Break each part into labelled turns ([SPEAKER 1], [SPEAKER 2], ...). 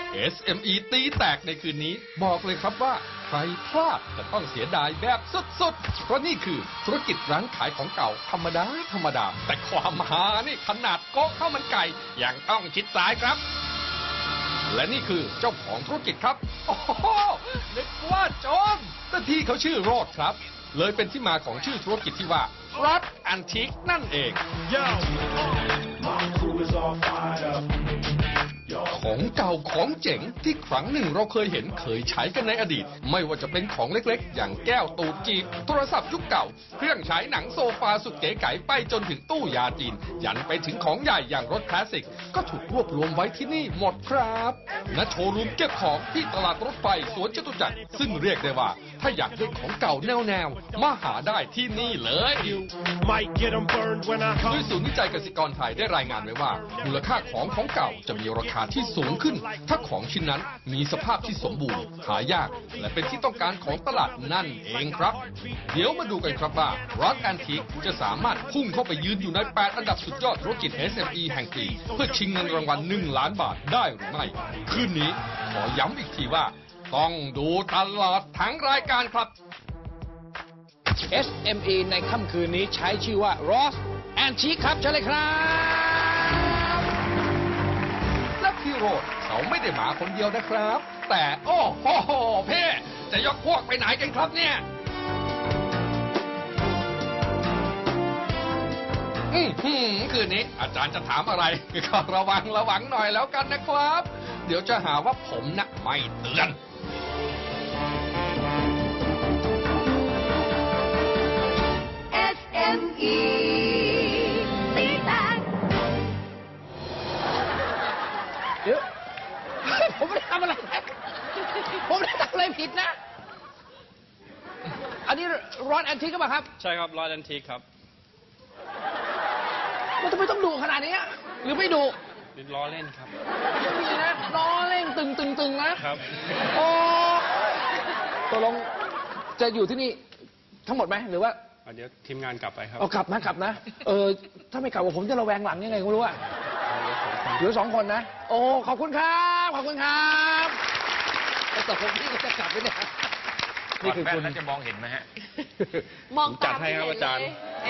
[SPEAKER 1] SME ตีแตกในคืนนี้บอกเลยครับว่าใครพลาดจะต้องเสียดายแบบสุดๆ เพราะนี่คือธุรกิจร้านขายของเก่าธรรมดา แต่ความฮานี่ขนาดโก๊ะข้าวมันไก่ยังต้องชิดซ้ายครับ และนี่คือเจ้าของธุรกิจครับ โอ้โหนึกว่าโจรแต่ที่เขาชื่อโรดครับ เลยเป็นที่มาของชื่อธุรกิจที่ว่า Rod Antique นั่นเอง ของเก่าของเจ๋งที่ครั้งหนึ่งเราเคยใช้กันในอดีต ไม่ว่าจะเป็นของเล็กๆ อย่างแก้วตูดจีบโทรศัพท์ยุคเก่า เครื่องฉายหนังโซฟาสุดเก๋ไก๋ไปจนถึงตู้ยาจีน ยันไปถึงของใหญ่อย่างรถคลาสสิก ก็ถูกรวบรวมไว้ที่นี่หมดครับณโชว์รูมเก็บของที่ตลาดรถไฟสวนจตุจักรซึ่งเรียกได้ว่า ถ้าอยากได้ของเก่าแนวมาหาได้ที่นี่เลยโดยศูนย์วิจัยเกษตรกรไทยได้รายงานไว้ว่ามูลค่าของเก่าจะมีราคาที่สูงขึ้นถ้าของชิ้นนั้นมีสภาพที่สมบูรณ์หายากและเป็นที่ต้องการของตลาดนั่นเองครับเดี๋ยวมาดูกันครับว่า Rod Antique จะสามารถพุ่งเข้าไปยืนอยู่ใน8อันดับสุดยอดธุรกิจ SME แห่งปีเพื่อชิงเงินรางวัล1 ล้านบาทได้หรือไม่คืนนี้ขอย้ำอีกทีว่าต้องดูตลอดทั้งรายการครับ
[SPEAKER 2] SME ในค่ำคืนนี้ใช้ชื่อว่า Rod Antique ครับเชิญเลยครับ
[SPEAKER 1] และพี่โรดเขาไม่ได้มาคนเดียวนะครับ แต่โอ้โหเพ่จะยกพวกไปไหนกันครับเนี่ยคืนนี้อาจารย์จะถามอะไรก็ระวังหน่อยแล้วกันนะครับ เดี๋ยวจะหาว่าผมนะไม่เตือน
[SPEAKER 3] SME ตีแตก
[SPEAKER 2] เดี๋ยวผมไม่ได้ทำอะไรผมไม่ได้ทำอะไรผิดนะ อันนี้ร้อนแอนทิกก็ป่ะครับ
[SPEAKER 4] ใช่ครับร้อยแอนทิกครับ
[SPEAKER 2] มันทำไมต้องดุขนาดนี้หรือไม่ดุ
[SPEAKER 4] ล้อเล่นครับ
[SPEAKER 2] ไม่มีนะล้อเล่นตึงนะครับ โอ้ตกลงจะอยู่ที่นี่ทั้งหมดไหมหรือว่า
[SPEAKER 4] เดี๋ยวทีมงานกลับไปครับ
[SPEAKER 2] เอากลับนะถ้าไม่กลับผมจะระแวงหลังยังไงไม่รู้อะเหลือ2 คนนะโอ้ขอบคุณครับแต่ผมนี่ก็จะกลับไปเนี่ยนี่คือคุณจะมองเห็นไหมฮะ
[SPEAKER 3] มอง
[SPEAKER 4] จัดให้ครับอาจารย์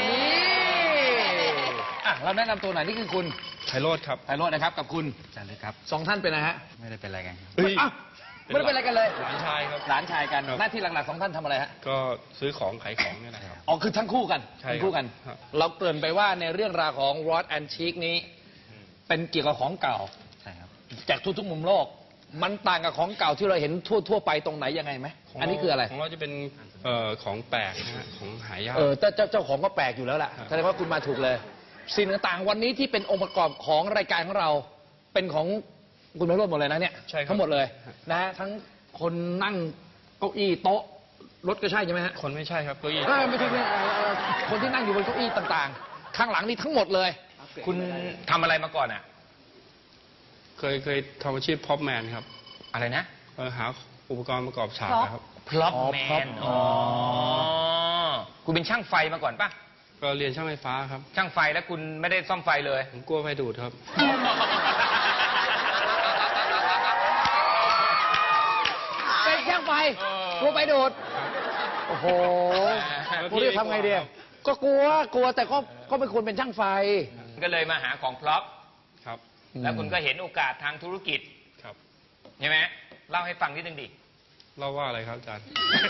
[SPEAKER 2] เราแนะนำตัวหน่อยนี่คือคุณ
[SPEAKER 4] ไพโรธครับ
[SPEAKER 2] ไพโรจน์นะครับกับคุณ
[SPEAKER 4] อาจารย์เลยครับ
[SPEAKER 2] 2 ท่านเป็นอะไรฮะ
[SPEAKER 4] ไม่ได้เป็นอะไรกัน
[SPEAKER 2] ไม่ได้เป็นอะไรกันเลย
[SPEAKER 4] หลานชายครับ
[SPEAKER 2] หลานชายกันหน้าที่หลักๆ2 ท่านทำอะไรฮะ
[SPEAKER 4] ก็ซื้อของขายของเนี่ยนะครับ
[SPEAKER 2] อ๋อคือทั้งคู่กัน
[SPEAKER 4] ใช่ครับ
[SPEAKER 2] ทั้งคู่กัน
[SPEAKER 4] ครับ
[SPEAKER 2] เราเกริ่นไปว่าในเรื่องราวของ Rod Antique นี้ เป็นเกี่ยวกับของเก่า
[SPEAKER 4] ใช่ครับ
[SPEAKER 2] จากทุกๆมุมโลก มันต่างกับของเก่าที่เราเห็นทั่วไปตรงไหนยังไงไหมอันนี้คืออะไร
[SPEAKER 4] ของเราจะเป็นของแปลกนะฮะของหายาก
[SPEAKER 2] เจ้าของก็แปลกอยู่แล้วล่ะ
[SPEAKER 4] ครับ
[SPEAKER 2] แสดงว่าคุณมาถูกเลย สิ่งต่างๆวันนี้ที่เป็นองค์ประกอบของรายการของเรา เป็นของคุณไพโรจน์หมดเลยนะเนี่ย
[SPEAKER 4] ใช่ครับ
[SPEAKER 2] ทั้งหมดเลยนะฮะทั้งคนนั่งเก้าอี้โต๊ะรถก็ใช่ไหมฮะ
[SPEAKER 4] คนไม่ใช่ครับเก้าอี้
[SPEAKER 2] ไม่ใช่คนที่นั่งอยู่บนเก้าอี้ต่างๆ ข้างหลังนี่ทั้งหมดเลย คุณทำอะไรมาก่อนอ่ะ
[SPEAKER 4] เคยทำอาชีพพ็อปแมนครับ
[SPEAKER 2] อะไรนะ
[SPEAKER 4] หาอุปกรณ์ประกอบฉากนะครับ
[SPEAKER 2] พล็อปแมนคุณเป็นช่างไฟมาก่อนป่ะ
[SPEAKER 4] ก็เรียนช่างไฟฟ้าครับ
[SPEAKER 2] ช่างไฟแล้วคุณไม่ได้ซ่อมไฟเลย
[SPEAKER 4] ผมกลัวไฟดูดครับ
[SPEAKER 2] เป็นช่างไฟกลัวไฟดูดโอ้โหคุณจะทำไงดีก็กลัวแต่ก็เป็นคนเป็นช่างไฟ
[SPEAKER 5] ก็เลยมาหาของพล็อป
[SPEAKER 4] ครับ
[SPEAKER 5] แล้วคุณก็เห็นโอกาสทางธุรกิจ
[SPEAKER 4] ครับ
[SPEAKER 5] ใช่ไหมเล่าให้ฟังนิดนึงดิ
[SPEAKER 4] เล่าว่าอะไรครับอาจารย์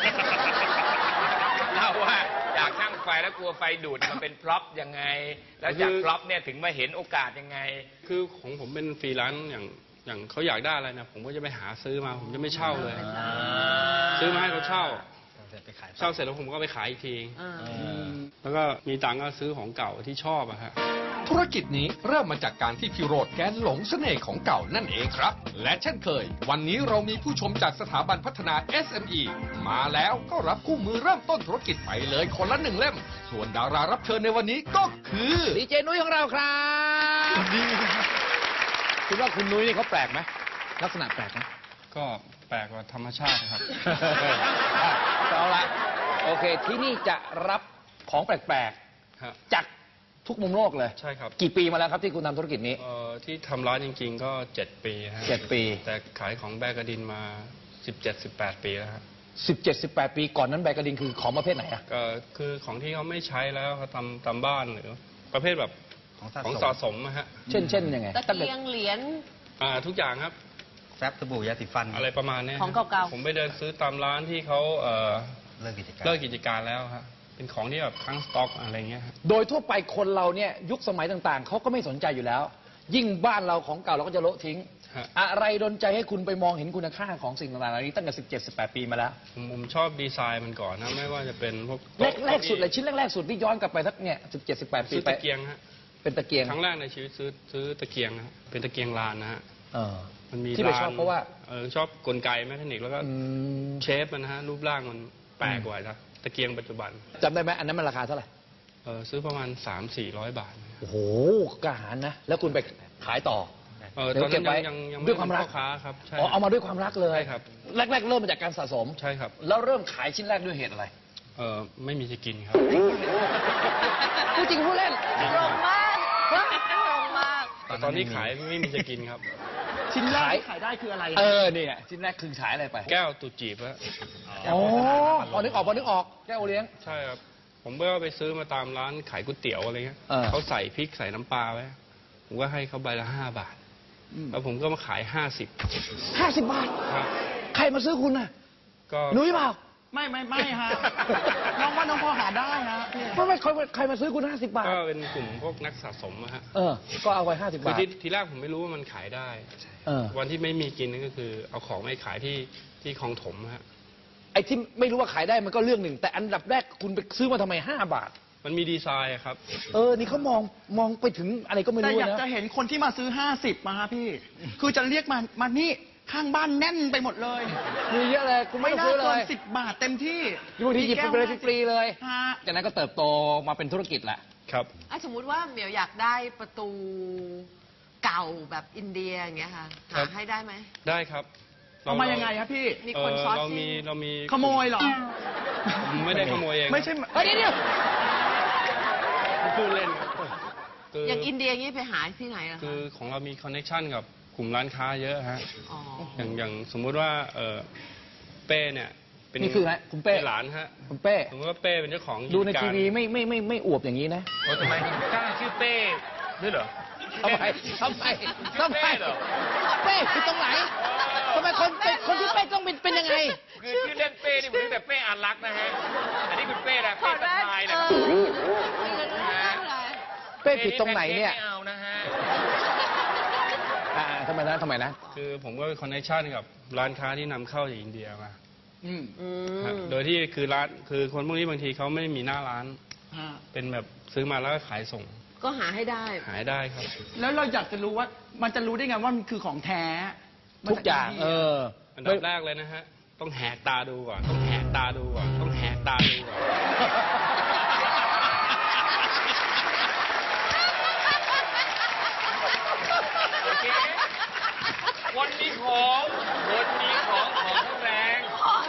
[SPEAKER 5] เล่าว่าจากช่างไฟแล้วกลัวไฟดูดมันเป็นพล็อปยังไง แล้วจากพล็อปเนี่ยถึงมาเห็นโอกาสยังไง
[SPEAKER 4] คือของผมเป็นฟรีแลนซ์อย่างเขาอยากได้อะไรนะผมก็จะไปหาซื้อมาผมจะไม่เช่าเลย ซื้อมาให้เขาเช่าเสร็จแล้วผมก็ไปขายอีกทีแล้วก็มีตังค์ก็ซื้อของเก่าที่ชอบอะฮะ
[SPEAKER 1] ธุรกิจนี้เริ่มมาจากการที่พี่โรดแกหลงเสน่ห์ของเก่านั่นเองครับ และเช่นเคย วันนี้เรามีผู้ชมจากสถาบันพัฒนา SME มาแล้วก็รับคู่มือเริ่มต้นธุรกิจไปเลยคนละ1 เล่ม ส่วนดารารับเชิญในวันนี้ก็คือ
[SPEAKER 2] ดีเจนุ้ยของเราครับคุณว่าคุณนุ้ยนี่เขาแปลกไหมลักษณะแปลกไหม
[SPEAKER 4] ก็แปลกกว่าธรรมชาติครับ
[SPEAKER 2] เอาละโอเคที่นี่จะรับของแปลก
[SPEAKER 4] ครับ
[SPEAKER 2] ๆจากทุกมุมโลกเลย
[SPEAKER 4] ใช่ครับ
[SPEAKER 2] กี่ปีมาแล้วครับที่คุณทำธุรกิจนี้
[SPEAKER 4] ที่ทำร้านจริงๆก็ 7 ปีฮะ
[SPEAKER 2] 7 ปี
[SPEAKER 4] แต่ขายของแบกกระดินมา 17-18 ปีแล้วครับ
[SPEAKER 2] 17-18 ปีก่อนนั้นแบกกระดินคือของประเภทไหนอะ
[SPEAKER 4] ก็คือของที่เขาไม่ใช้แล้วเขาตามบ้านหรือประเภทแบบของสะสมนะฮะ
[SPEAKER 2] เช่นยังไง
[SPEAKER 3] ตะเกียงเหรียญ
[SPEAKER 4] ทุกอย่างครับ
[SPEAKER 6] แฟบสบู่ยาสีฟัน
[SPEAKER 4] อะไรประมาณนี้
[SPEAKER 3] ของเก่าๆ
[SPEAKER 4] ผมไปเดินซื้อตามร้านที่เขา
[SPEAKER 6] เลิกกิจการ
[SPEAKER 4] เลิกกิจการแล้วฮะเป็นของที่แบบค้างสต็อกอะไรเงี้ยครับ
[SPEAKER 2] โดยทั่วไปคนเราเนี่ยยุคสมัยต่างๆเขาก็ไม่สนใจอยู่แล้ว ยิ่งบ้านเราของเก่าเราก็จะโละทิ้ง
[SPEAKER 4] ฮะ
[SPEAKER 2] อะไรดลใจให้คุณไปมองเห็นคุณค่าของสิ่งต่างๆเหล่านี้ตั้งแต่17-18 ปีมาแล้ว
[SPEAKER 4] ผมชอบดีไซน์มันก่อนนะไม่ว่าจะเป็นพวก
[SPEAKER 2] แรกสุดเลยชิ้นแรกๆสุดที่ย้อนกลับไปสักเนี่ย17-18 ปี
[SPEAKER 4] ซื้อ
[SPEAKER 2] ไป
[SPEAKER 4] ตะเกียงฮะ
[SPEAKER 2] เป็นตะเกียง
[SPEAKER 4] ครั้งแรกในชีวิตซื้อตะเกียงนะฮะเป็นตะเกียงลานนะฮะ
[SPEAKER 2] เออ
[SPEAKER 4] มันมี
[SPEAKER 2] ที่ไป
[SPEAKER 4] ลาน
[SPEAKER 2] ชอบเพราะว่า
[SPEAKER 4] ชอบกลไกแมคานิกแล้วก็
[SPEAKER 2] อืม
[SPEAKER 4] เชฟมันนะฮะรูปร่างมันแปลกกว่านะตะเกียงปัจจุบัน
[SPEAKER 2] จำได้ไหมอันนั้นมันราคาเท่าไหร่
[SPEAKER 4] ซื้อประมาณ 300-400 บาท
[SPEAKER 2] โอ้โหกระหารนะ แล้วคุณไปขายต่อ
[SPEAKER 4] ตอน
[SPEAKER 2] เก็
[SPEAKER 4] นั้
[SPEAKER 2] บ
[SPEAKER 4] น
[SPEAKER 2] ไว้
[SPEAKER 4] ยัง
[SPEAKER 2] ด้วยความรัก
[SPEAKER 4] ไเป็นพ่อค้าครับใช่
[SPEAKER 2] อ๋อเอามาด้วยความรักเลย
[SPEAKER 4] ใช่ครับ
[SPEAKER 2] แรกๆเริ่มมาจากการสะสม
[SPEAKER 4] ใช่ครับ
[SPEAKER 2] แล้วเริ่มขายชิ้นแรกด้วยเหตุอะไร
[SPEAKER 4] ไม่มีจะกินครับ
[SPEAKER 2] พูดจริงพูดเล่น
[SPEAKER 3] ตรงมากตรงมาก
[SPEAKER 4] ตอนที่ขายไม่มีจะกินครับ
[SPEAKER 2] ชิ้นแรกขายได้คืออะไรเนี่ยชิ้นแรกคือขายอะไรไป
[SPEAKER 4] แก้วตุจีบฮะ
[SPEAKER 2] อ๋อพอนึกออกแก้วโอเลี้ยง
[SPEAKER 4] ใช่ครับผมก็ไปซื้อมาตามร้านขายก๋วยเตี๋ยวอะไรเงี้ย
[SPEAKER 2] เออ
[SPEAKER 4] เขาใส่พริกใส่น้ำปลาไว้ผมก็ให้เขาใบละ5 บาทแล้วผมก็มาขาย50
[SPEAKER 2] 50 บาท
[SPEAKER 4] ครับ
[SPEAKER 2] ใครมาซื้อคุณน่ะ
[SPEAKER 4] ก็
[SPEAKER 2] นุ้ยเปล่า
[SPEAKER 7] ไม่ฮะ น้องว่าน้องพอหาได้ฮะพี่
[SPEAKER 2] ไม่ใครมาซื้อคุณ50 บาท
[SPEAKER 4] ก็เป็นกลุ่มพวกนักสะสมอะฮะ
[SPEAKER 2] ก็เอาไป50
[SPEAKER 4] คือบ
[SPEAKER 2] าท
[SPEAKER 4] ทีแรกผมไม่รู้ว่ามันขายได้
[SPEAKER 2] เออ
[SPEAKER 4] วันที่ไม่มีกินนั่นก็คือ เอาของไปขายที่คลองถมฮะ
[SPEAKER 2] ไอ้ที่ไม่รู้ว่าขายได้มันก็เรื่องหนึ่ง แต่อันดับแรกคุณไปซื้อมาทำไม5 บาท
[SPEAKER 4] มันมีดีไซน์อะครับ
[SPEAKER 2] นี่เขามองไปถึงอะไรก็ไม่
[SPEAKER 7] แต่
[SPEAKER 2] รู้
[SPEAKER 7] อยาก
[SPEAKER 2] นะ
[SPEAKER 7] จะเห็นคนที่มาซื้อ 50 มาฮะพี่ คือจะเรียกมานี่ข้างบ้านแน่นไปหมดเลย
[SPEAKER 2] มีเยอะเลยคุณไม่
[SPEAKER 7] ไม่
[SPEAKER 2] ต้อง
[SPEAKER 7] น่า
[SPEAKER 2] ซื้อเล
[SPEAKER 7] เกิน
[SPEAKER 2] ย
[SPEAKER 7] 10 บาทเต็มที่
[SPEAKER 2] บางทีหยิบไปเลยฟรีๆเลย
[SPEAKER 7] ฮะ
[SPEAKER 2] จากนั้นก็เติบโตมาเป็นธุรกิจแหละ
[SPEAKER 4] ครับ
[SPEAKER 3] สมมุติว่าเหมียวอยากได้ประตูเก่าแบบอินเดียอย่างเงี้ยค่ะ
[SPEAKER 4] ครั
[SPEAKER 3] หา
[SPEAKER 4] บ
[SPEAKER 3] ให้ได้ไหม
[SPEAKER 4] ได้ครับ
[SPEAKER 7] เอามายังไงครับพี่
[SPEAKER 3] มีคนซอส
[SPEAKER 4] เรา
[SPEAKER 3] ซิ่
[SPEAKER 4] มี
[SPEAKER 7] ขโมยเหรอ
[SPEAKER 4] ผมไม่ได้ขโมยเอง
[SPEAKER 7] ไม่ใช่
[SPEAKER 2] เฮ้ยเดี๋ยว
[SPEAKER 4] ผมพูดเล่นครับคือ
[SPEAKER 3] อย่างอินเดียงี้ไปหาที่ไหนอะ
[SPEAKER 4] คื
[SPEAKER 3] คะ
[SPEAKER 4] อของเรามีคอนเนคชันกับกลุ่มร้านค้าเยอะฮะ
[SPEAKER 3] อ๋อ
[SPEAKER 4] อย่างสมมุติว่าเป้เนี่ยเป็น
[SPEAKER 2] นี่คือไงคุณเป้
[SPEAKER 4] เป็นหลานฮะ
[SPEAKER 2] คุณเป้
[SPEAKER 4] สมมติว่าเป้เป็นเจ้าของ
[SPEAKER 2] ดูใน
[SPEAKER 4] กิจ
[SPEAKER 2] ที
[SPEAKER 4] การ
[SPEAKER 2] วีไม่อวบอย่างนี้นะ
[SPEAKER 5] ทำไมกล้าชื่อเป้ด้วยเหรอ
[SPEAKER 2] ทำไม เป้คือตรงไหนทำไมคนที่เป้ต้องเป็นยังไง
[SPEAKER 5] คือชื่อเล่นเป้นี่เหมือนแต่เป้อารักษ์นะฮะ อันนี้คุณเป้นะ
[SPEAKER 3] ถอ
[SPEAKER 5] เป้
[SPEAKER 3] ด
[SPEAKER 5] ส
[SPEAKER 3] แว่น
[SPEAKER 5] ไตล์
[SPEAKER 3] เอ
[SPEAKER 5] นะ
[SPEAKER 3] อไม่งั้นไม่ได้เลย
[SPEAKER 2] เป้ผิดตรงไหนเนี่ย
[SPEAKER 5] ไม่เอานะฮะ
[SPEAKER 2] ทำไมนะ
[SPEAKER 4] คือผมก็เป็นคอนเนคชันกับร้านค้าที่นำเข้าจากอินเดียมา
[SPEAKER 3] อื
[SPEAKER 4] ฮะ
[SPEAKER 3] ม
[SPEAKER 4] โดยที่คือร้านคือคนพวกนี้บางทีเขาไม่ได้มีหน้าร้าน
[SPEAKER 7] ฮะ
[SPEAKER 4] เป็นแบบซื้อมาแล้วก็ขายส่ง
[SPEAKER 3] ก็หาให้ได้
[SPEAKER 4] ขายได้ครับ
[SPEAKER 7] แล้วเราอยากจะรู้ว่ามันจะรู้ได้ไงว่ามันคือของแท้
[SPEAKER 2] ทุกอย่าง
[SPEAKER 4] อันดับแรกเลยนะฮะ ต้องแหกตาดูก่อน ต้องแหกตาดูก่อน ต้องแหกตาดูก่อน
[SPEAKER 5] โอเค คนมีของแรงของ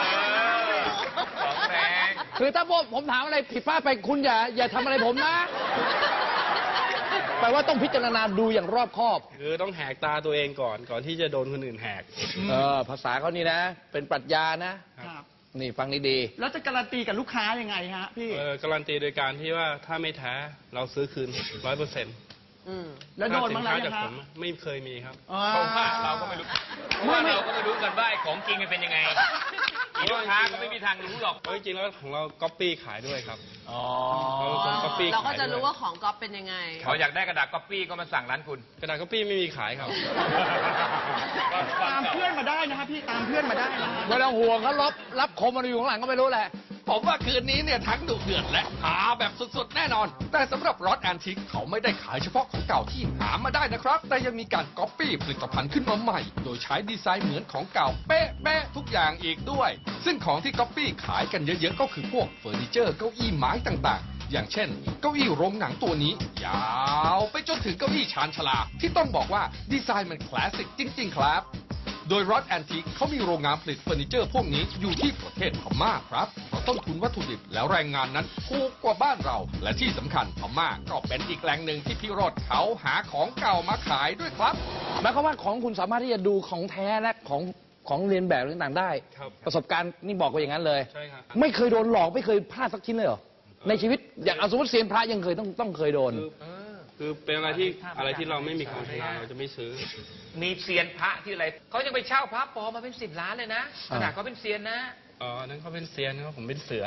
[SPEAKER 5] แรง
[SPEAKER 2] คือถ้าผมถามอะไรผิดพลาดไปคุณอย่าทำอะไรผมนะแปลว่าต้องพิจารณาดูอย่างรอบคอบ
[SPEAKER 4] คือต้องแหกตาตัวเองก่อนที่จะโดนคนอื่นแหก
[SPEAKER 2] ภาษาเขานี่นะ เป็นปรัชญานะ
[SPEAKER 7] ครับ
[SPEAKER 2] นี่ฟังดี
[SPEAKER 7] แล้วจะการันตีกับลูกค้ายังไงฮะพี่
[SPEAKER 4] การันตีโดยการที่ว่าถ้าไม่แท้เราซื้อคืน 100%
[SPEAKER 3] อืม
[SPEAKER 7] แล้วโดนบ้างแล้ว
[SPEAKER 4] จา
[SPEAKER 7] ยั
[SPEAKER 4] ก
[SPEAKER 7] งฮะ
[SPEAKER 4] ผมไม่เคยมีครับ
[SPEAKER 7] อ๋อ
[SPEAKER 5] เพราะว่าเราก็ไม่รู้เพราะว่าเราก็ไม่รู้กันว่าไอ้ของจริงมันเป็นยังไงลูกค้าก็ไม่มีทางรู้หรอก
[SPEAKER 4] เพราะจริงๆแล้วของเราก๊อปปี้ขายด้วยครับ
[SPEAKER 2] ๆอ๋อ
[SPEAKER 4] เราเป็นคน copy
[SPEAKER 3] เราก็จะ
[SPEAKER 4] ขายด้วย
[SPEAKER 3] รู้ว่าของก๊อปเป็นยังไง
[SPEAKER 5] เขาอยากได้กระดาษก๊อปปี้ก็มาสั่งร้านคุณ
[SPEAKER 4] กระดาษก๊อปปี้ไม่มีขายครับ
[SPEAKER 7] ตามเพื่อนมาได้นะครับพี่ตามเพื่อนมาได้นะฮะ
[SPEAKER 2] ไม่ต้องห่วงเขารับคมมันอยู่ข้างหลังก็ไม่รู้แหละ
[SPEAKER 1] ผมว่าคืนนี้เนี่ยทั้งดุเดือดและหาแบบสุดๆแน่นอน แต่สำหรับรถแอนทิกเขาไม่ได้ขายเฉพาะของเก่าที่หามาได้นะครับ แต่ยังมีการก๊อปปี้ผลิตภัณฑ์ขึ้นมาใหม่ โดยใช้ดีไซน์เหมือนของเก่าเป๊ะๆทุกอย่างอีกด้วย ซึ่งของที่ก๊อปปี้ขายกันเยอะๆก็คือพวกเฟอร์นิเจอร์เก้าอี้ไม้ต่างๆ อย่างเช่น เก้าอี้โรงหนังตัวนี้ ยาวไปจนถึงเก้าอี้ชานชาลาที่ต้องบอกว่าดีไซน์มันคลาสสิกจริงๆครับโดยรอดแอนทิกเขามีโรงงานผลิตเฟอร์นิเจอร์พวกนี้อยู่ที่ประเทศพม่าครับเพราะต้นทุนวัตถุดิบแล้วแรงงานนั้นถูกกว่าบ้านเรา และที่สำคัญพม่าก็เป็นอีกแหล่งหนึ่งที่พี่โรดเขาหาของเก่ามาขายด้วยครับ
[SPEAKER 2] หมายความว่าของคุณสามารถที่จะดูของแท้และของเรียนแบบต่างๆได้
[SPEAKER 4] ครับ
[SPEAKER 2] ประสบการณ์นี่บอกว่าอย่างนั้นเลย
[SPEAKER 4] ใช่ครับ
[SPEAKER 2] ไม่เคยโดนหลอกไม่เคยพลาดสักชิ้นเลยเหรอในชีวิตอย่างเอาสมมติเซียนพระยังเคยต้องเคยโดน
[SPEAKER 4] คือเป็นอะไรที่เราไม่มีความชำนาญเราจะไม่ซื้อ
[SPEAKER 5] มีเซียนพระที่อะไรเขายังไปเช่าพระปลอมมาเป็น10 ล้านเลยนะขนาดเขาเป็นเซียนนะ
[SPEAKER 4] อ๋ออันนั้นเขาเป็นเซียนครับผมเป็นเสือ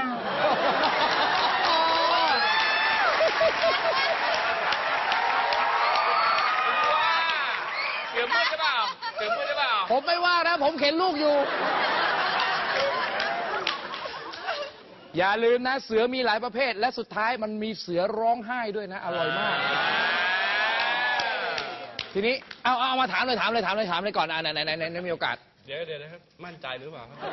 [SPEAKER 5] เสือมืดหรือเปล่าเสือมืดหรือเปล่า
[SPEAKER 2] ผมไม่ว่านะผมเข็นลูกอยู่ อย่าลืมนะเสือมีหลายประเภท และสุดท้ายมันมีเสือร้องไห้ด้วยนะ อร่อยมาก ทีนี้เอามาถามเลยก่อนไหนมีโอกาส
[SPEAKER 4] เดี๋ยวนะครับมั่นใจหรือเปล่าครับ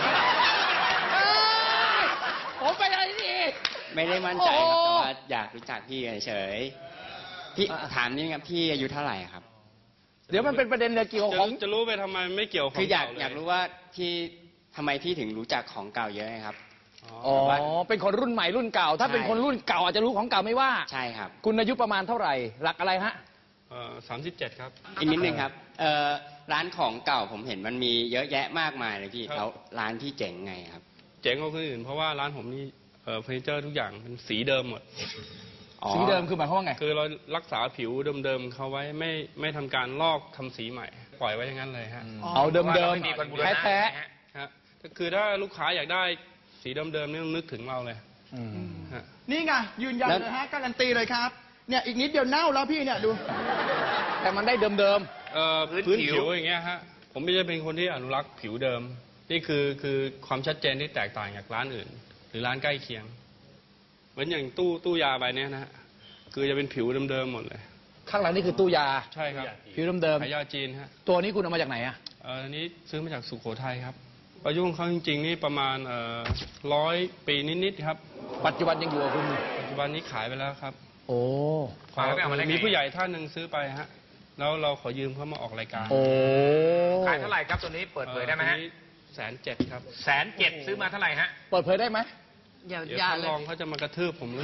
[SPEAKER 2] ผมไปอะไรนี่
[SPEAKER 8] ไม่ได้มั่นใจครับ
[SPEAKER 2] โอ้
[SPEAKER 8] แต่ว่าอยากรู้จักพี่เฉยๆพี่ถามนี่ครับพี่อายุเท่าไหร่ครับ
[SPEAKER 2] เดี๋ยวมันเป็นประเด็นเกี่ยวกับของ
[SPEAKER 4] จะรู้ไปทำไมไม่เกี่ยวกับ
[SPEAKER 8] คืออยาก
[SPEAKER 4] เเล
[SPEAKER 8] อยากรู้ว่าที่ทำไมพี่ถึงรู้จักของเก่าเยอะครับ
[SPEAKER 2] อ๋อ เป็นคนรุ่นใหม่รุ่นเก่า ถ้าเป็นคนรุ่นเก่าอาจจะรู้ของเก่าไม่ว่า
[SPEAKER 8] ใช่ครับ
[SPEAKER 2] คุณอายุประมาณเท่าไหร่ หลักอะไรฮะ
[SPEAKER 4] 37 ครับ
[SPEAKER 8] อีกนิดนึงครับร้านของเก่าผมเห็นมันมีเยอะแยะมากมายเลยพี่
[SPEAKER 4] ครับ
[SPEAKER 8] แล้วร้านพี่เจ๋งไงครับ
[SPEAKER 4] เจ๋งกว่าคนอื่นเพราะว่าร้านผมนี่เฟอร์นิเจอร์ทุกอย่างเป็นสีเดิมหมด
[SPEAKER 8] อ๋อ
[SPEAKER 2] สีเดิมคือหมายความว่าไง
[SPEAKER 4] คือเรารักษาผิวเดิมๆเขาไว้ไม่ทำการลอกทำสีใหม่ ปล่อยไว้อย่างนั้นเลยฮะ
[SPEAKER 2] เอาเดิม
[SPEAKER 5] ไม่มีคนบูรณะ
[SPEAKER 2] แท้
[SPEAKER 4] ฮะคือถ้าลูกค้าอยากได้สีเดิมๆนี่ต้องนึกถึงเราเลย
[SPEAKER 2] ๆอืม
[SPEAKER 4] ฮะ
[SPEAKER 7] นี่ไงยืนยัน
[SPEAKER 8] แล้ว
[SPEAKER 7] เลยฮะการันตีเลยครับเนี่ยอีกนิดเดียวเน่าแล้วพี่เนี่ยดู
[SPEAKER 2] แต่มันได้เดิม
[SPEAKER 4] พื้นผิวอย่างเงี้ยฮะผมไม่ใช่เป็นคนที่อนุรักษ์ผิวเดิม นี่คือความชัดเจนที่แตกต่างจากร้านอื่น หรือร้านใกล้เคียง เหมือนอย่างตู้ยาใบเนี้ยนะฮะคือจะเป็นผิวเดิมๆหมดเลย
[SPEAKER 2] ๆ ข้างหลังนี่คือตู้ยา
[SPEAKER 4] ใช่ครับ
[SPEAKER 2] ผิวเดิม
[SPEAKER 4] ขายยาจีนฮะ
[SPEAKER 2] ๆ ตัวนี้คุณเอามาจากไหนอะ
[SPEAKER 4] อันนี้ซื้อมาจากสุโขทัยครับอายุของเขาจริงๆนี่ประมาณ100 ปีนิดๆครับ
[SPEAKER 2] ปัจจุบันยังอยู่กับคุณ
[SPEAKER 4] ปัจจุบันนี้ขายไปแล้วครับ
[SPEAKER 2] โอ้
[SPEAKER 5] ขายแล้วไปเอามาได้ไง
[SPEAKER 4] มีผู้ใหญ่ท่านหนึ่งซื้อไปฮะแล้วเราขอยืมเขามาออกรายการ
[SPEAKER 2] โอ้
[SPEAKER 5] ขายเท่าไหร่ครับตัวนี้เปิดเผยได้ไหมฮะ
[SPEAKER 4] 107,000ครับ
[SPEAKER 5] 107,000ซื้อมาเท่าไหร่ฮะ
[SPEAKER 2] เปิดเผยได้ไหม
[SPEAKER 3] อย่า
[SPEAKER 4] เดี๋ยว
[SPEAKER 3] อย่า
[SPEAKER 4] ท่าน
[SPEAKER 3] เล
[SPEAKER 4] ร
[SPEAKER 3] ย
[SPEAKER 4] องเขาจะมากระทืบผมหรือ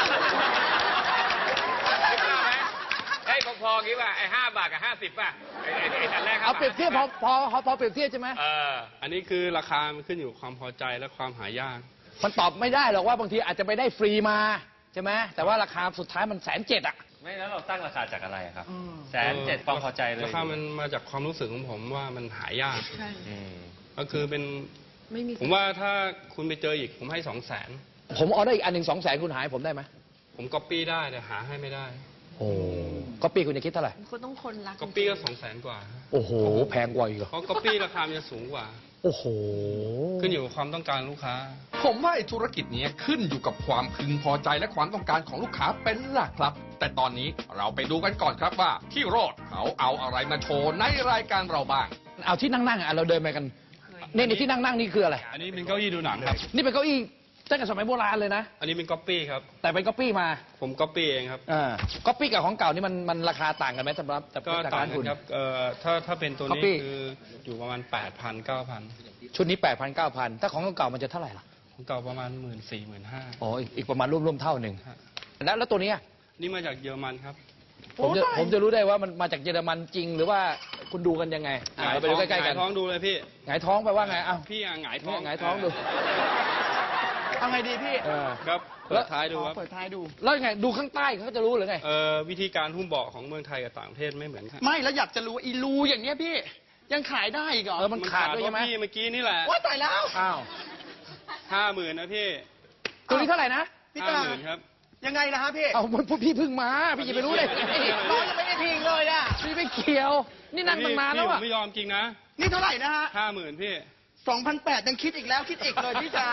[SPEAKER 5] เฮ้ยพอๆงี้ป่ะไอ้5 บาทกับ50ป่ะไอ้อันแรก5
[SPEAKER 2] เอาเปรียบเทียบพ
[SPEAKER 5] บา
[SPEAKER 2] อ
[SPEAKER 5] ท
[SPEAKER 2] พอเปรียบเทียบใช่ไหม
[SPEAKER 4] อันนี้คือราคามันขึ้นอยู่กับความพอใจและความหายาก
[SPEAKER 2] มันตอบไม่ได้หรอกว่าบางทีอาจจะไปได้ฟรีมาใช่ไหมแต่ว่าราคาสุดท้ายมัน107,000อะ
[SPEAKER 9] ไม่แล้วเราตั้งราคาจากอะไรครับ107,000ความพอใจเลย
[SPEAKER 4] ราคามันมาจากความรู้สึกของผมว่ามันหายาก
[SPEAKER 3] ใช่
[SPEAKER 4] ก็คือเป็น
[SPEAKER 3] ไม่มี
[SPEAKER 4] ผมว่าถ้าคุณไปเจออีกผมให้200,000
[SPEAKER 2] ผมออเดอร์อีกอันหนึ่ง200,000คุณหายผมได้ไหม
[SPEAKER 4] ผมก๊อปปี้ได้แต่หาให้ไม่ได้
[SPEAKER 2] โอ้ก็ปีคุณจะคิดเท่าไหร่
[SPEAKER 3] คนต้องคนรัก
[SPEAKER 4] ก๊อปปี้ก็200,000 กว่า
[SPEAKER 2] โอ้โห แพงกว่าอีกเหรอ
[SPEAKER 4] เพราะก๊อปปี้ราคามันจะสูงกว่า
[SPEAKER 2] โอ้โห
[SPEAKER 4] ขึ้นอยู่กับความต้องการลูกค้า
[SPEAKER 1] ผมว่าไอ้ธุรกิจนี้ขึ้นอยู่กับความพึงพอใจและความต้องการของลูกค้าเป็นหลักครับ แต่ตอนนี้เราไปดูกันก่อนครับว่าพี่โรดเขาเอาอะไรมาโชว์ในรายการเราบ้าง
[SPEAKER 2] เอาที่นั่งๆอ่ะเราเดินไปกันนี่ที่นั่งนี่คืออะไร
[SPEAKER 4] อันนี้เป็นเก้าอี้ดูหนังครับ
[SPEAKER 2] นี่เป็นเก้าอี้ตั้งแต่สมัยโบราณเลยนะ
[SPEAKER 4] อันนี้เป็นก๊อปปี้ครับ
[SPEAKER 2] แต่เป็นก๊อปปี้มา
[SPEAKER 4] ผมก๊อปปี้เองครับ
[SPEAKER 2] ก๊อปปี้กับของเก่านี่มันราคาต่างกันไหมสำหรับ
[SPEAKER 4] ก็
[SPEAKER 2] จาก
[SPEAKER 4] ต่าง
[SPEAKER 2] ร้าน
[SPEAKER 4] กั
[SPEAKER 2] คุณ
[SPEAKER 4] นครับถ้าเป็นตัวนี้
[SPEAKER 2] Copy
[SPEAKER 4] คืออยู่ประมาณ 8,000 9,000
[SPEAKER 2] ชุดนี้ 8,000 9,000 ถ้าของเก่ามันจะเท่าไหร่ล่ะ
[SPEAKER 4] ของเก่าประมาณ 14,000 15,000
[SPEAKER 2] อ๋ออีกประมาณร่วมเท่าหนึ่ง
[SPEAKER 4] ฮะ
[SPEAKER 2] แล้วตัวเนี้ย
[SPEAKER 4] นี่มาจากเยอรมันครับ
[SPEAKER 2] ผมจะรู้ได้ว่ามันมาจากเยอรมันจริงหรือว่าคุณดูกันยังไงเราไปดูใกล้ๆกัน
[SPEAKER 4] หงายท้องดูเลยพี่
[SPEAKER 2] หงายท้องไปว่าไงอ้าว
[SPEAKER 4] พี่หงายท้
[SPEAKER 2] ท้
[SPEAKER 4] อ
[SPEAKER 2] อง งหงายท้องดู
[SPEAKER 7] เอาไงดีพี่
[SPEAKER 4] ครับเปิดท้ายดูครับ
[SPEAKER 7] เปิดท้ายดู
[SPEAKER 2] แล้วยังไงดูข้างใต้เขาจะรู้หรือไง
[SPEAKER 4] วิธีการหุ้มเบาะของเมืองไทยกับต่างประเทศไม่เหมือนกัน
[SPEAKER 7] ไม่แล้วอยากจะรู้ว่าอีรูอย่างเงี้ยพี่ ยังขายได้อีกเหรอ
[SPEAKER 2] มันขาดด้วยใช่ไหม
[SPEAKER 4] เพราะพี่เมื่อกี้นี่แหละ
[SPEAKER 7] ว่าตายแล้ว
[SPEAKER 2] อ้าว
[SPEAKER 4] 50,000นะพี่
[SPEAKER 2] ตัวนี้เท่าไหร่นะ
[SPEAKER 7] พี่ตา
[SPEAKER 4] 50,000ครับ
[SPEAKER 7] ยังไงนะฮะพี่
[SPEAKER 2] เอาพี่เพิ่งมาพี่จะไปรู้ได้ไง
[SPEAKER 7] น้องยังไม่ได้พิงเลยอ่ะ
[SPEAKER 2] พี่ไม่เกี่ยว นี่นั่งตั้งนานแล้ว
[SPEAKER 4] พี่ผ
[SPEAKER 2] อะ
[SPEAKER 4] มไม่ยอมจริงนะ
[SPEAKER 7] นี่เท่าไหร่นะฮะ
[SPEAKER 4] 50,000พี่
[SPEAKER 7] 2,800ยังคิดอีกแล้วคิดอีกเลยพี่จ๋า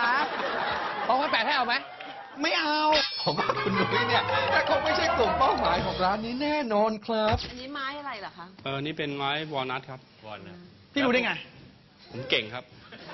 [SPEAKER 2] 2,800ให้เอาไหม
[SPEAKER 7] ไม่เอา
[SPEAKER 1] ผมว่าคุณนุ้ยเนี่ยแต่คงไม่ใช่กลุ่มเป้าหมายของร้านนี้แน่นอนครับ
[SPEAKER 3] อันนี้ไม้อะไรเหรอคะ
[SPEAKER 4] นี่เป็นไม้วอลนัทครับ
[SPEAKER 7] พี่รู้ได้ไง
[SPEAKER 4] ผมเก่งครับ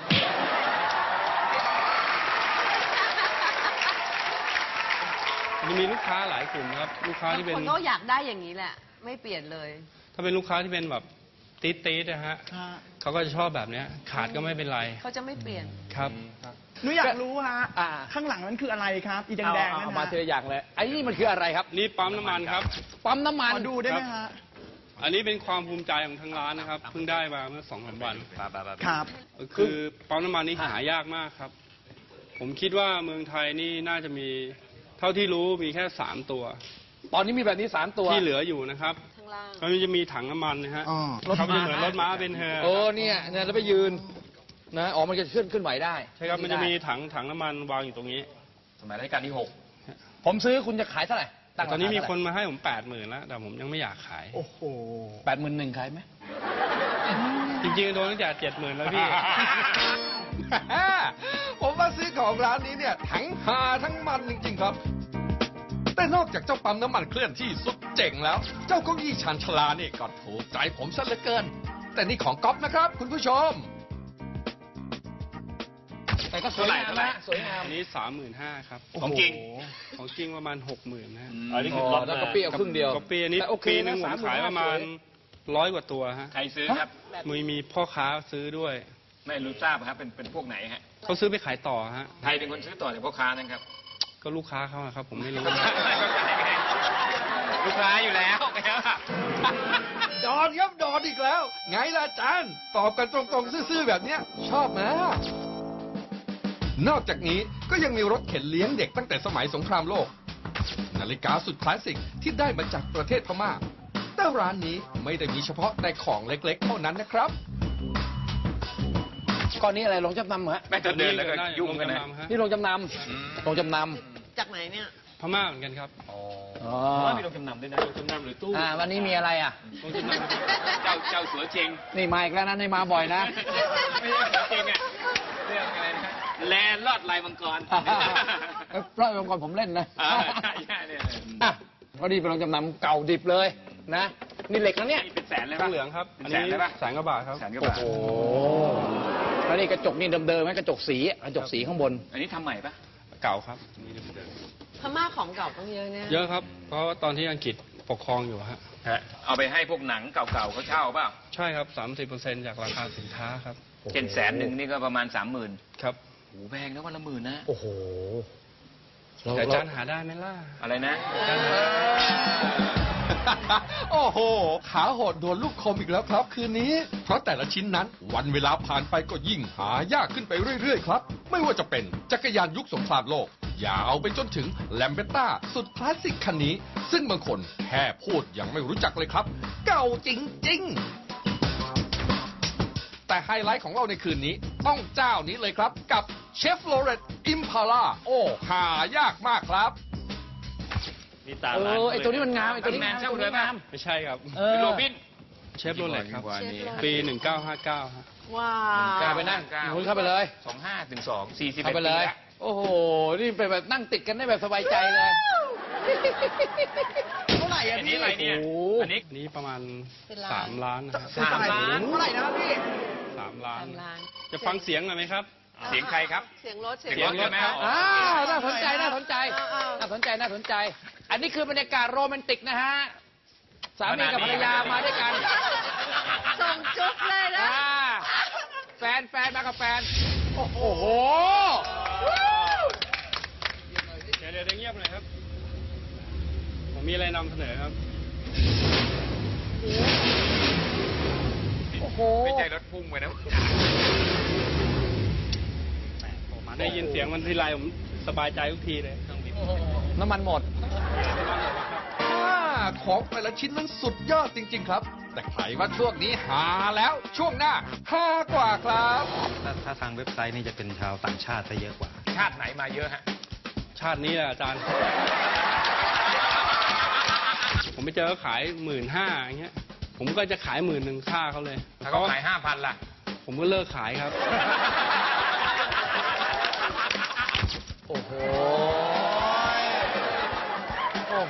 [SPEAKER 4] มีลูกค้าหลายกลุ่มครับ ลูกค้าที่เป็น
[SPEAKER 3] คนก็อยากได้อย่างนี้แหละ ไม่เปลี่ยนเลย
[SPEAKER 4] ถ้าเป็นลูกค้าที่เป็นแบบตีดนะฮะเขาก็จะชอบแบบเนี้ยขาดก็ไม่เป็นไร
[SPEAKER 3] เขาจะไม่เปลี่ยน
[SPEAKER 4] ครับ
[SPEAKER 7] หนูอยากรู้ฮะข้างหลังนั้นคืออะไรครับ อีแดงๆนั่น
[SPEAKER 2] เอามาทีละอย่างเลยไอ้นี่มันคืออะไรครับ
[SPEAKER 4] นี่ปั๊มน้ำมันครับ
[SPEAKER 2] ปั๊มน้ำมัน
[SPEAKER 7] ขอดูได้ไหมฮะ
[SPEAKER 4] อันนี้เป็นความภูมิใจของทางร้านนะครับเพิ่งได้มาเมื่อ2-3 วัน
[SPEAKER 7] ครับ
[SPEAKER 4] คือปั๊มน้ำมันนี่หายากมากครับ ผมคิดว่าเมืองไทยนี่น่าจะมีเท่าที่รู้มีแค่3 ตัว
[SPEAKER 2] ตอนนี้มีแบบนี้3 ตัว
[SPEAKER 4] ที่เหลืออยู่นะครับ
[SPEAKER 3] ข้างล่าง
[SPEAKER 4] มันจะมีถังน้ำมันนะฮะ
[SPEAKER 7] อ๋อ
[SPEAKER 4] เขาจะเหมือนรถม้าเป็นเฮอร์
[SPEAKER 2] เนี่ยแล้วไปยืนนะอ๋อมันจะขึ้นไหวได้
[SPEAKER 4] ใช่ครับมันจะมีถังน้ำมันวางอยู่ตรงนี้
[SPEAKER 9] สมัยรัชกาลที่
[SPEAKER 2] ผมซื้อคุณจะขายเท่าไหร่ตั้ง
[SPEAKER 4] ตอนนี้มีคนมาให้ผม80,000แล้วแต่ผมยังไม่อยากขาย
[SPEAKER 7] โอ้โห
[SPEAKER 2] 81,000ขายไหม
[SPEAKER 4] จริงๆโดนตั้งแต่70,000แล้วพี่
[SPEAKER 1] ผมว่าซื้อของร้านนี้เนี่ยทั้งหาทั้งมันจริงๆครับ แต่นอกจากเจ้าปั๊มน้ำมันเคลื่อนที่สุดเจ๋งแล้ว เจ้าเก้าอี้ชานชาลานี่ก็ถูกใจผมซะเหลือเกิน แต่นี่ของก๊อฟนะครับคุณผู้ชม
[SPEAKER 2] แต่ก็สวยงามนะสวยงาม
[SPEAKER 4] อันนี้35,000ครับ
[SPEAKER 9] ของจริง
[SPEAKER 4] ของจริงประมาณ60,000นะฮะ
[SPEAKER 9] อันนี้คือรถ
[SPEAKER 2] แล้วก็เปรี้ยวครึ่งเดียว
[SPEAKER 4] ก๊อปปี้อันนี้
[SPEAKER 2] แต่โอเค
[SPEAKER 4] ปีหนึ
[SPEAKER 2] นะ
[SPEAKER 4] งผม
[SPEAKER 2] 35,000
[SPEAKER 4] ขายประมาณ100 กว่าตัวฮะ
[SPEAKER 9] ใครซื้อครับ
[SPEAKER 4] มีพ่อค้าซื้อด้วย
[SPEAKER 9] ไม่รู้ทราบครับ เป็นพวกไหนฮะ
[SPEAKER 4] เขาซื้อไปขายต่อฮะ
[SPEAKER 9] ใครเป็นคนซื้อต่อจากพ่อค้านั่นครับ
[SPEAKER 4] ก็ลูกค้าเขาอะครับ ผมไม่รู้
[SPEAKER 9] ลูกค้าอยู่แล้วครับ
[SPEAKER 1] ดอนครับดอนอีกแล้ว ไงล่ะอาจารย์ตอบกันตรงๆซื่อๆแบบเนี้ยชอบไหมนอกจากนี้ก็ยังมีรถเข็นเลี้ยงเด็กตั้งแต่สมัยสงครามโลก นาฬิกาสุดคลาสสิกที่ได้มาจากประเทศพม่า แต่ร้านนี้ไม่ได้มีเฉพาะแต่ของเล็กๆเท่านั้นนะครับ
[SPEAKER 2] ก้อนนี้อะไรลงจำนำเหรอ
[SPEAKER 9] แม่จะเดินแล้วก็ยุ่งกันนะ
[SPEAKER 2] นี่ลงจำนำลงจำน
[SPEAKER 3] จากไหนเนี่ย
[SPEAKER 4] พม่าเหมือนกันครับ
[SPEAKER 2] ำอ๋อ
[SPEAKER 9] ว่ามีโรงจำนำด้วยนะโรงจำนำหรือตู้
[SPEAKER 2] วันนี้มีอะไรอ่ะ
[SPEAKER 4] โรงจำนำ
[SPEAKER 9] เจ้าสัวเชง
[SPEAKER 2] นี่มาอีกแล้วนะนี่มาบ่อยนะ
[SPEAKER 9] ไม่ใช่สัวเชงอะเรื่องอะไรนะแลนลอดลายมังกร
[SPEAKER 2] เพราะองค์กรผมเล่นนะ
[SPEAKER 9] ใช่เนี่ย
[SPEAKER 2] อ่ะพอดีเป็นโรงจำนำเก่าดิบเลยนะ นี่เหล็กนะเนี่ย
[SPEAKER 9] เป็นแสนเลย
[SPEAKER 4] ท
[SPEAKER 9] ปะ
[SPEAKER 4] องเหลืองครับ
[SPEAKER 9] เป็น
[SPEAKER 4] อัน
[SPEAKER 9] แส
[SPEAKER 4] นี้
[SPEAKER 9] นเลยปะ
[SPEAKER 4] 100,000 กว่าบาทครับ
[SPEAKER 9] แสนกว่าบาท
[SPEAKER 2] โอ้แล้วนี่กระจกนี่เดิมๆไหมกระจกสีกระจกสีข้างบน
[SPEAKER 9] อันนี้ทำใหม่ปะ
[SPEAKER 4] เก่าครับ
[SPEAKER 3] พม่าของเก่าต้องเยอะเนี่ย
[SPEAKER 4] เยอะครับ เพราะว่าตอนที่อังกฤษปกครองอยู่ฮะ
[SPEAKER 9] เอาไปให้พวกหนังเก่าๆเขาเช่าเปล่า
[SPEAKER 4] ใช่ครับ 30% จากราคาสินค้าครับ
[SPEAKER 9] เช่น100,000นี่ก็ประมาณ 30,000
[SPEAKER 4] ครับ
[SPEAKER 9] โอ้แพงนะวันละ10,000นะ
[SPEAKER 2] โอ้โห
[SPEAKER 4] แต่อาจารย์หาได้ไหมล่ะ
[SPEAKER 9] อะไรนะ
[SPEAKER 1] โอ้โห ขาโหดโดนลูกคมอีกแล้วครับคืนนี้ เพราะแต่ละชิ้นนั้นวันเวลาผ่านไปก็ยิ่งหายากขึ้นไปเรื่อยๆครับ ไม่ว่าจะเป็นจักรยานยุคสงครามโลก ยาวไปจนถึงแลมเบต้าสุดคลาสสิกคันนี้ ซึ่งบางคนแค่พูดยังไม่รู้จักเลยครับ เก่าจริงๆ แต่ไฮไลท์ของเราในคืนนี้ต้องเจ้านี้เลยครับกับเชฟโลเรตอิมพาล่าโอ้หายากมากครับ
[SPEAKER 9] นี่ตามร้าน
[SPEAKER 2] ไอตัวนี้มันงามไอตัวนี้
[SPEAKER 9] แมนเช่าเลยป่ะ
[SPEAKER 4] ไม่ใช่ครับ
[SPEAKER 9] โรบิน
[SPEAKER 4] เชฟโรเล็ตครับ
[SPEAKER 3] เชฟโรเล็ต
[SPEAKER 4] ปี 1959ฮะ
[SPEAKER 3] ว้า
[SPEAKER 2] เข้าว ไปนั่งคุณเข้าไปเลย
[SPEAKER 9] 25 ถึง 2 41
[SPEAKER 2] เข้าไปเลย โอ้โห นี่เป็นแบบนั่งติดกันได้แบบสบายใจเลย
[SPEAKER 7] เท่าไหร่อะ
[SPEAKER 9] อัน
[SPEAKER 7] พี่
[SPEAKER 9] นี้อะไรเนี่ย
[SPEAKER 2] โอ้โห
[SPEAKER 9] อันนี้
[SPEAKER 4] อันนี้ประมาณ
[SPEAKER 3] เป็นล้าน
[SPEAKER 4] 3 ล้านนะครับ
[SPEAKER 9] 3 ล้าน
[SPEAKER 7] เท่าไหร่นะครับพี่
[SPEAKER 4] 3 ล้าน
[SPEAKER 3] 3 ล้าน
[SPEAKER 4] จะฟังเสียงหน่อยไหมครับ
[SPEAKER 9] เสียงใครครับ
[SPEAKER 3] เสียงรถ
[SPEAKER 9] เสียงรถใช่ไหม
[SPEAKER 2] น่าสนใจ น่าสนใจ น่าสนใจ น่าสนใจ อันนี้คือบรรยากาศโรแมนติกนะฮะ สามีกับภรรยามาด้วยกัน
[SPEAKER 3] ส่งจุ๊บเลยนะ
[SPEAKER 2] แฟนมากับแฟน โอ้โห
[SPEAKER 4] เดี๋ยวเงียบหน่อยครับ ผมมีอะไรนำเสนอครับ
[SPEAKER 2] โอ้โห
[SPEAKER 9] ไม่ใช่รถพุ่งไปนะ
[SPEAKER 4] ได้ยินเสียงมันทีไรผมสบายใจทุกทีเลย
[SPEAKER 2] น้ำมันหมด
[SPEAKER 1] ของแต่ละชิ้นนั้นสุดยอดจริงๆครับ แต่ใครว่าช่วงนี้หาแล้วช่วงหน้าหากว่าครับ
[SPEAKER 6] ถ้าทางเว็บไซต์นี่จะเป็นชาวต่างชาติซะเยอะกว่า
[SPEAKER 9] ชาติไหนมาเยอะฮะ
[SPEAKER 4] ชาตินี้แหละอาจารย์ ผมไปเจอเขาขาย 15,000อย่างเงี้ย ผมก็จะขาย10,000ค่าเขาเลย
[SPEAKER 9] ถ้าเขาขาย 5,000 ล่ะ
[SPEAKER 4] ผมก็เลิกขายครับ
[SPEAKER 2] โอ้โห โอ้โห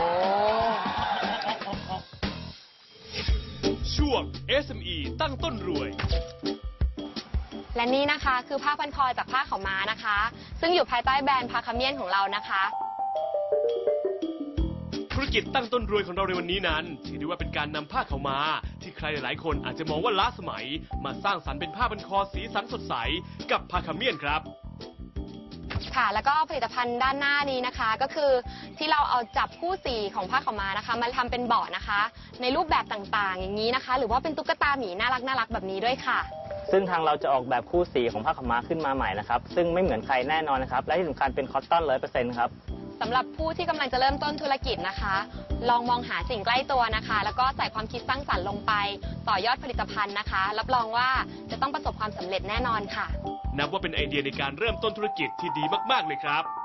[SPEAKER 10] ช่วง SME ตั้งต้นรวย
[SPEAKER 11] และนี่นะคะคือผ้าพันคอจากผ้าขาวม้านะคะ ซึ่งอยู่ภายใต้แบรนด์พาคาเมียนของเรานะคะ
[SPEAKER 1] เครื่อง
[SPEAKER 10] รกิจตั้งต้นรวยของเราในวันนี้นั้นถือได้ว่าเป็นการนำผ้าขาวม้าที่ใครหลายๆคนอาจจะมองว่าล้าสมัยมาสร้างสรรค์เป็นผ้าพันคอสีสันสดใสกับผ้าขมิ้นครับ
[SPEAKER 11] ค่ะแล้วก็ผลิตภัณฑ์ด้านหน้านี้นะคะก็คือที่เราเอาจับคู่สีของผ้าขาวม้านะคะมาทำเป็นเบาะนะคะในรูปแบบต่างๆอย่างนี้นะคะหรือว่าเป็นตุ๊กตาหมีน่ารักแบบนี้ด้วยค่ะ
[SPEAKER 12] ซึ่งทางเราจะออกแบบคู่สีของผ้าขาวม้าขึ้นมาใหม่นะครับซึ่งไม่เหมือนใครแน่นอนนะครับและที่สำคัญเป็นคอตตอน 100% ครับ
[SPEAKER 11] สำหรับผู้ที่กำลังจะเริ่มต้นธุรกิจนะคะลองมองหาสิ่งใกล้ตัวนะคะแล้วก็ใส่ความคิดสร้างสรรค์ลงไปต่อยอดผลิตภัณฑ์นะคะรับรองว่าจะต้องประสบความสำเร็จแน่นอนค่ะ
[SPEAKER 10] นับว่าเป็นไอเดียในการเริ่มต้นธุรกิจที่ดีมากๆเลยครับ